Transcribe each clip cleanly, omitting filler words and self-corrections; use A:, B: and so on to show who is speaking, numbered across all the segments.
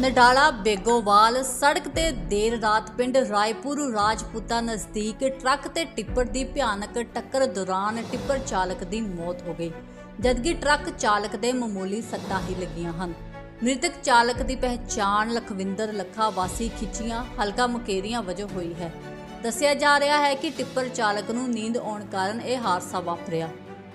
A: ਨਡਾਲਾ ਬੇਗੋਵਾਲ ਸੜਕ ਤੇ ਦੇਰ ਰਾਤ ਪਿੰਡ ਰਾਏਪੁਰ ਰਾਜਪੂਤਾ ਨਜ਼ਦੀਕ ਟਰੱਕ ਤੇ ਟਿੱਪਰ ਦੀ ਭਿਆਨਕ ਟੱਕਰ ਦੌਰਾਨ ਟਿੱਪਰ ਚਾਲਕ ਦੀ ਮੌਤ ਹੋ ਗਈ, ਜਦਕਿ ਟਰੱਕ ਚਾਲਕ ਦੇ ਮਾਮੂਲੀ ਸੱਟਾਂ ਹੀ ਲੱਗੀਆਂ ਹਨ। ਮ੍ਰਿਤਕ ਚਾਲਕ ਦੀ ਪਹਿਚਾਣ ਲਖਵਿੰਦਰ ਲੱਖਾ ਵਾਸੀ ਖਿੱਚੀਆਂ ਹਲਕਾ ਮੁਕੇਰੀਆਂ ਵਜੋਂ ਹੋਈ ਹੈ। ਦੱਸਿਆ ਜਾ ਰਿਹਾ ਹੈ ਕਿ ਟਿੱਪਰ ਚਾਲਕ ਨੂੰ ਨੀਂਦ ਆਉਣ ਕਾਰਨ ਇਹ ਹਾਦਸਾ ਵਾਪਰਿਆ।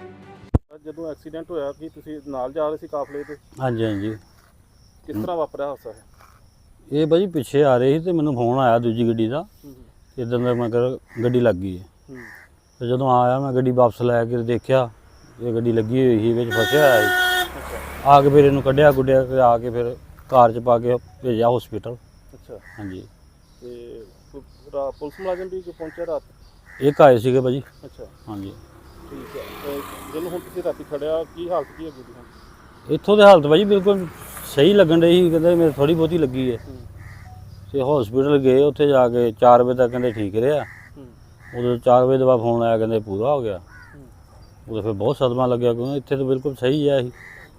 B: ਜਦੋਂ ਐਕਸੀਡੈਂਟ ਹੋਇਆ ਕਿ ਤੁਸੀਂ ਨਾਲ ਜਾ ਰਹੇ ਸੀ ਕਾਫਲੇ ਤੇ?
C: ਹਾਂਜੀ ਹਾਂਜੀ।
B: ਕਿਸ ਤਰ੍ਹਾਂ ਵਾਪਰਿਆ ਹਾਦਸਾ ਹੈ?
C: ਇਹ ਭਾਜੀ ਪਿੱਛੇ ਆ ਰਹੇ ਸੀ ਤੇ ਮੈਨੂੰ ਫੋਨ ਆਇਆ ਦੂਜੀ ਗੱਡੀ ਦਾ, ਇਦਾਂ ਦਾ ਮੈਂ ਕਰ ਗੱਡੀ ਲੱਗ ਗਈ ਹੈ। ਤੇ ਜਦੋਂ ਆਇਆ ਮੈਂ ਗੱਡੀ ਵਾਪਸ ਲੈ ਕੇ ਦੇਖਿਆ ਇਹ ਗੱਡੀ ਲੱਗੀ ਹੋਈ ਸੀ, ਵਿੱਚ ਫਸਿਆ ਹੋਇਆ ਸੀ। ਆ ਕੇ ਫਿਰ ਇਹਨੂੰ ਕੱਢਿਆ ਗੁੱਡਿਆ ਕੇ ਆ ਕੇ ਫਿਰ ਕਾਰ 'ਚ ਪਾ ਕੇ ਭੇਜਿਆ ਹਸਪੀਟਲ।
B: ਅੱਛਾ।
C: ਹਾਂਜੀ।
B: ਤੇ ਪੁਲਿਸ ਮੁਲਾਜ਼ਮ ਵੀ ਪਹੁੰਚਿਆ ਰਾਤ?
C: ਇੱਕ ਆਏ ਸੀਗੇ ਭਾਜੀ।
B: ਅੱਛਾ।
C: ਹਾਂਜੀ।
B: ਠੀਕ ਹੈ। ਤੇ ਜਦੋਂ ਹੁਣ ਤੁਸੀਂ ਰਾਤੀ ਖੜਿਆ ਕੀ ਹਾਲਤ ਕੀ ਹੈਗੀ ਦੀ?
C: ਇੱਥੋਂ ਦੀ ਹਾਲਤ ਭਾਜੀ ਬਿਲਕੁਲ ਸਹੀ ਲੱਗਣ ਰਹੀ ਸੀ, ਕਹਿੰਦੇ ਮੇਰੇ ਥੋੜ੍ਹੀ ਬਹੁਤੀ ਲੱਗੀ ਹੈ। ਤੇ ਹਸਪੀਟਲ ਗਏ, ਉੱਥੇ ਜਾ ਕੇ 4 ਵਜੇ ਤੱਕ ਕਹਿੰਦੇ ਠੀਕ ਰਿਹਾ। ਉਦੋਂ 4 ਵਜੇ ਤੋਂ ਬਾਅਦ ਫੋਨ ਆਇਆ ਕਹਿੰਦੇ ਪੂਰਾ ਹੋ ਗਿਆ। ਉਦੋਂ ਫਿਰ ਬਹੁਤ ਸਦਮਾ ਲੱਗਿਆ ਕਿਉਂਕਿ ਇੱਥੇ ਤਾਂ ਬਿਲਕੁਲ ਸਹੀ ਹੈ।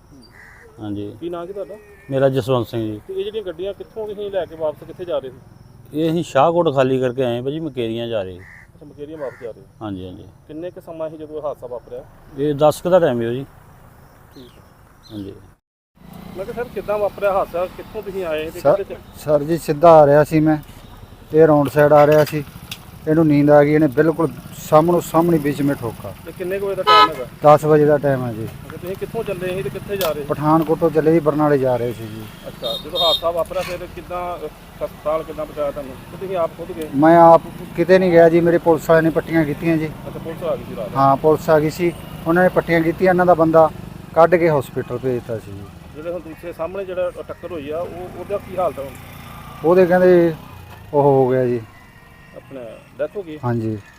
C: ਹਾਂਜੀ।
B: ਕੀ ਨਾਂ ਕੀ ਤੁਹਾਡਾ?
C: ਮੇਰਾ ਜਸਵੰਤ ਸਿੰਘ ਜੀ।
B: ਤੇ ਇਹ ਜਿਹੜੀਆਂ ਗੱਡੀਆਂ ਕਿੱਥੋਂ ਤੁਸੀਂ ਲੈ ਕੇ ਵਾਪਸ ਕਿੱਥੇ ਜਾ ਰਹੇ ਸੀ?
C: ਇਹ ਅਸੀਂ ਸ਼ਾਹਕੋਟ ਖਾਲੀ ਕਰਕੇ ਆਏ ਭਾਜੀ, ਮਕੇਰੀਆਂ ਜਾ ਰਹੇ।
B: ਅੱਛਾ, ਮਕੇਰੀਆਂ ਵਾਪਸ ਜਾ ਰਹੇ?
C: ਹਾਂਜੀ ਹਾਂਜੀ।
B: ਕਿੰਨੇ ਕੁ ਸਮਾਂ ਸੀ ਜਦੋਂ ਹਾਦਸਾ ਵਾਪਰਿਆ?
C: ਇਹ 10 ਕੁ ਦਾ ਟਾਈਮ ਹੈ ਜੀ।
B: ਠੀਕ ਹੈ।
C: ਹਾਂਜੀ।
B: ਮੈਂ ਕਿਹਾ ਸਰ ਕਿੱਦਾਂ ਵਾਪਰਿਆ ਹਾਦਸਾ, ਕਿੱਥੋਂ ਤੁਸੀਂ ਆਏ ਤੇ ਕਿੱਥੇ?
D: ਸਰ ਜੀ ਸਿੱਧਾ ਆ ਰਿਹਾ ਸੀ ਮੈਂ, ਇਹ ਰੌਂਡ ਸਾਈਡ ਆ ਰਿਹਾ ਸੀ, ਇਹਨੂੰ ਨੀਂਦ ਆ ਗਈ, ਇਹਨੇ ਬਿਲਕੁਲ ਸਾਹਮਣੇ ਵਿੱਚ ਮੇ ਠੋਕਾ।
B: ਤੇ ਕਿੰਨੇ ਕੁ ਵਜੇ ਦਾ ਟਾਈਮ ਹੈਗਾ?
D: 10 ਵਜੇ ਦਾ ਟਾਈਮ ਹੈ ਜੀ।
B: ਅੱਛਾ, ਤੁਸੀਂ ਕਿੱਥੋਂ ਚੱਲੇ ਸੀ ਤੇ ਕਿੱਥੇ ਜਾ ਰਹੇ ਸੀ?
D: ਪਠਾਨਕੋਟੋਂ ਚੱਲੇ ਜੀ, ਬਰਨਾਲੇ ਜਾ ਰਹੇ ਸੀ ਜੀ।
B: ਅੱਛਾ, ਜਦੋਂ ਹਾਦਸਾ ਵਾਪਰਿਆ ਫਿਰ ਕਿੱਦਾਂ ਹਸਪਤਾਲ ਕਿੱਦਾਂ ਪਹੁੰਚਾਇਆ ਤੁਹਾਨੂੰ? ਤੇ ਤੁਸੀਂ ਆਪ ਖੁਦ ਗਏ?
D: ਮੈਂ ਆਪ ਕਿਤੇ ਨਹੀਂ ਗਿਆ ਜੀ, ਮੇਰੇ ਪੁਲਿਸ ਵਾਲਿਆਂ ਨੇ ਪੱਟੀਆਂ ਕੀਤੀਆਂ ਜੀ।
B: ਅੱਛਾ, ਪੁਲਿਸ ਆ ਗਈ ਸੀ ਰਾਤ?
D: ਹਾਂ ਪੁਲਿਸ ਆ ਗਈ ਸੀ, ਉਹਨਾਂ ਨੇ ਪੱਟੀਆਂ ਕੀਤੀਆਂ, ਇਹਨਾਂ ਦਾ ਬੰਦਾ ਕੱਢ ਕੇ ਹਸਪੀਟਲ ਭੇਜਤਾ ਸੀ ਜੀ।
B: ਜਿਹੜੇ ਹੁਣ ਦੂਸਰੇ ਸਾਹਮਣੇ ਜਿਹੜਾ ਟੱਕਰ ਹੋਈ ਆ ਉਹਦਾ ਕੀ ਹਾਲਤ ਹੈ ਹੁਣ?
D: ਉਹਦੇ ਕਹਿੰਦੇ ਉਹ ਹੋ ਗਿਆ ਜੀ,
B: ਆਪਣਾ ਡੈਥ ਹੋ ਗਈ?
D: ਹਾਂਜੀ।